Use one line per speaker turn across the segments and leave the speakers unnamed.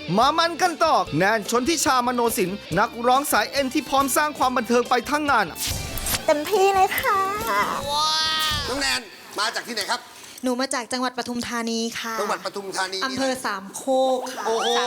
มามันกันต่อแนนชนทิชามโนสินนักร้องสายเอ็นที่พร้อมสร้างความบันเทิงไปทั้งงาน
เต็มที่เลยค่ะ
น้องแนนมาจากที่ไหนครับ
หนูมาจากจังหวัดปทุมธานีค่ะ
จังหวัดปทุมธานี
อำเภอสามโคกค่ะ
โอ้โห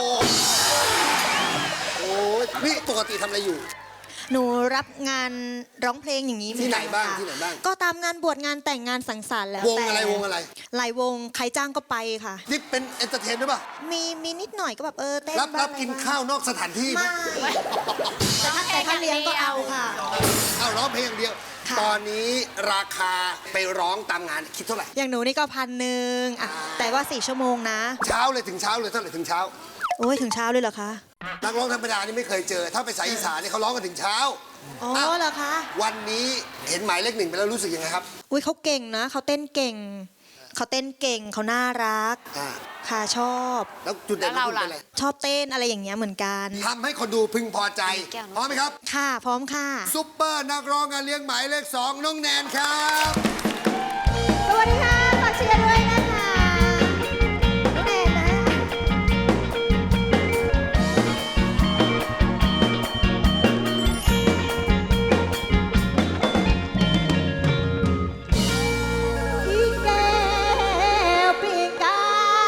โอ้ยนี่ปกติทำอะไรอยู่
หนูรับงานร้องเพลงอย่างนี้
ที่ไหนบ้าง
เมือกั
ที่ไหนบ้าง
ก็ตามงานบวชงานแต่งงานสังสรรค์แล้ว
วง
แต่
อะไรวงอะไร
หลายวงใครจ้างก็ไปค่ะ
นี่เป็นเอนเตอร์เทนหรือเปล่า
มีนิดหน่อยก็แบบเต้น
รับ
บ้าง
กินข้าวนอกสถานที่ไหม
ไม่แต่ถ้าเลี้ยงก็เอาค่ะ
เอาร้องเพลงอย่างเดียว
ค่ะ
ตอนนี้ราคาไปร้องตามงานคิดเท่าไหร่
อย่างหนูนี่ก็1,000อะแต่ว่า4 ชั่วโมงนะ
เช้าเลยถึงเช้าเลยเท่าไหร่ถึงเช้า
โอ้ยถึงเช้าเลยเหรอคะ
นักร้องธรรมดานี่ไม่เคยเจอ ถ้าไปสายอีสานนี่เขาร้องกันถึงเช้า
อ๋อเหรอคะ
วันนี้เห็นหมายเลข 1ไปแล้วรู้สึกยังไงครับ
อุ้ยเขาเก่งนะเขาเต้นเก่งเขาน่ารัก
อ่า
ค่ะชอบ
แล้วจุดเด่นของคุณเป็นอะไร
ชอบเต้นอะไรอย่างเงี้ยเหมือนกัน
ทำให้คนดูพึงพอใจพร้อมไหมครับ
ค่ะพร้อมค่ะ
ซุปเปอร์นักร้องงานเลี้ยงหมายเลข 2 น้องแนนครับ
สวัสดีค่ะฝากเชียร์ด้วยนะคะน้องแนนนะ พี่แก้วปีกา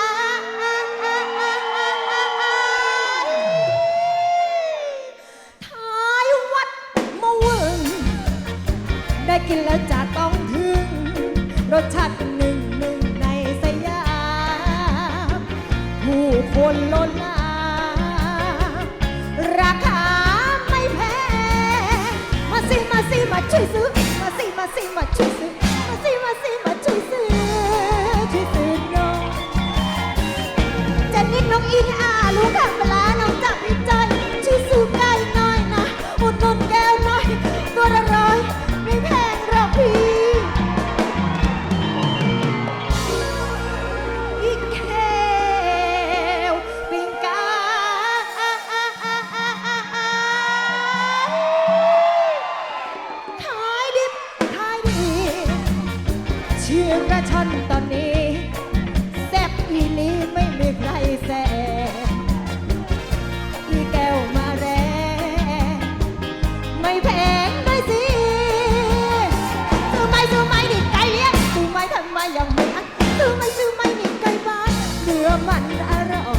ท้ายวัดมะวึงได้กินแล้วจะต้องถึง รสชาติเป็นหนึ่งในสยามผู้คนล้นหลามราคาไม่แพงมาสิมาช่วยซื้อมาสิมาช่วยซื้อมาสิมาช่วยซื้อน้องจะนิดนกอินลูกขับเวลาน้องจับใจช่วยซื้อไก่หน่อยนะอุดหนุนแก้วหน่อยตัวละ100ไม่แพงหรอกพี่อีกแก้วปิงกาขายดิบขายดีเชื่อกระชอนตอนนี้แซ่บอีหลีไม่มีใครแซงอีแก้วมาแรงไม่แพงด้วยสิซื้อไม่ดิไก่เลี้ยงซื้อไม่ทำไมยังไม่อันซื้อไม่ดิไก่บ้านเนื้อมันอร่อย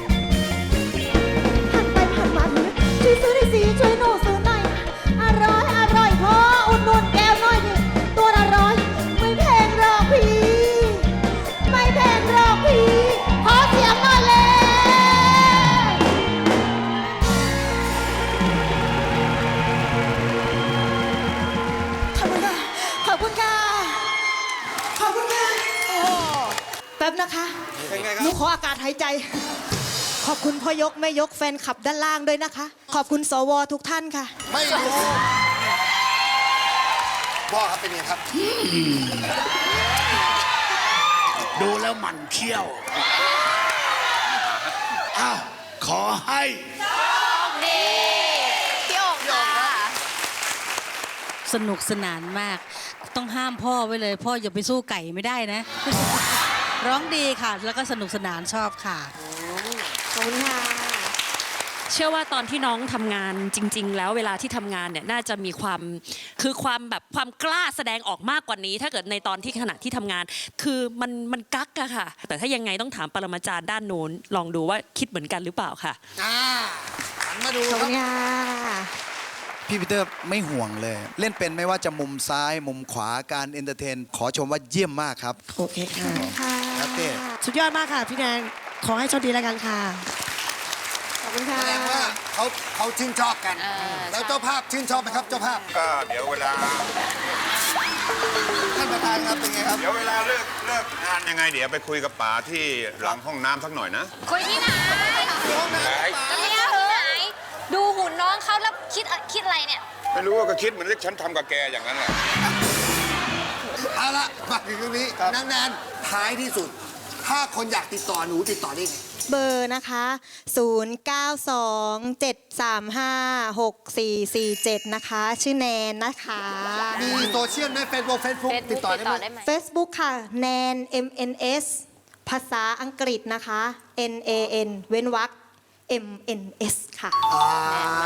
หันไปผ่านมาเถอะช่วยซื้อได้สิช่วยหนูซื้อหน่อยอร่อยพออุดหนุนแก้วหน่อยดิตัวละ100ไม่แพงหรอกพี่ไม่แพงหรอกพี่ขอเสียงหน่อยเลยขอบคุณค่ะโอ้แป๊บนะคะ
เป็นไงครั
หนู
บ
ขออากาศหายใจ ขอบคุณพ่อยกแม่ยกแฟนคลับด้านล่างด้วยนะคะ ขอบคุณสวทุกท่านค่ะ
ไม่รู้พ่อครับเป็นไงครับ
ดูแล้วหมันเขี้ยว อ้าว ขอให้
สนุกสนานมาก ต้องห้ามพ่อไว้เลย พ่ออย่าไปสู้ไก่ไม่ได้นะ ร้องดีค่ะ แล้วก็สนุกสนานชอบค่ะ
ขอบคุณค่ะ
เชื่อว่าตอนที่น้องทำงานจริง ๆ แล้วเวลาที่ทำงานเนี่ยน่าจะมีความความกล้าแสดงออกมากกว่านี้ ถ้าเกิดในตอนที่ขณะที่ทำงาน คือมันกักอะค่ะ แต่ถ้ายังไงต้องถามปรมาจารย์ด้านโน้นลองดูว่าคิดเหมือนกันหรือเปล่าค่ะ
หันมาดู
ขอบ
ค
คุ
รับ
ณค่ะ
พี่ปีเตอร์ไม่ห่วงเลย เล่นเป็นไม่ว่าจะมุมซ้ายมุมขวาการเอนเตอร์เทน ขอชมว่าเยี่ยมมากครับ
โอเคค่ะ
ค่ะ
ครับเต้
สุดยอดมากค่ะ พี่แนน ขอให้โชคดีแล้วกันค่ะ
ขอบคุณค่ะ
แสดงว่าเขาชื่นชอบกัน แล้วเจ้าภาพชื่นชอบไหมครับเจ้าภาพ
ก็เดี๋ยวเวลา
ท่านประธานครับเป็นไงครับ
เดี๋ยวเวลาเลิกงานยังไง เดี๋ยวไปคุยกับป๋าที่หลังห้องน้ำสักหน่อยนะ
คุยที่ไหน
ห้องน้ำป๋า
เนี่ยที่ไหน ดูหุ่นน้องเขาแล้วคิดอะไรเนี่ย
ไม่รู้ว่าก็คิดเหมือนที่ฉันทำกับแกอย่างนั้นแหละ
เอาละมาถึงตรงนี้นางแนนท้ายที่สุด ถ้าคนอยากติดต่อหนูติดต่อได้ไง
เบอร์นะคะ 0927356447 นะคะ ชื่อแนนนะคะ
มีโซเชียลไหมเฟซบุ๊กติดต่อได้ไหม
Facebook ค่ะ แนน MNS ภาษาอังกฤษนะคะ NAN เว้นวรรค MNS ค่ะ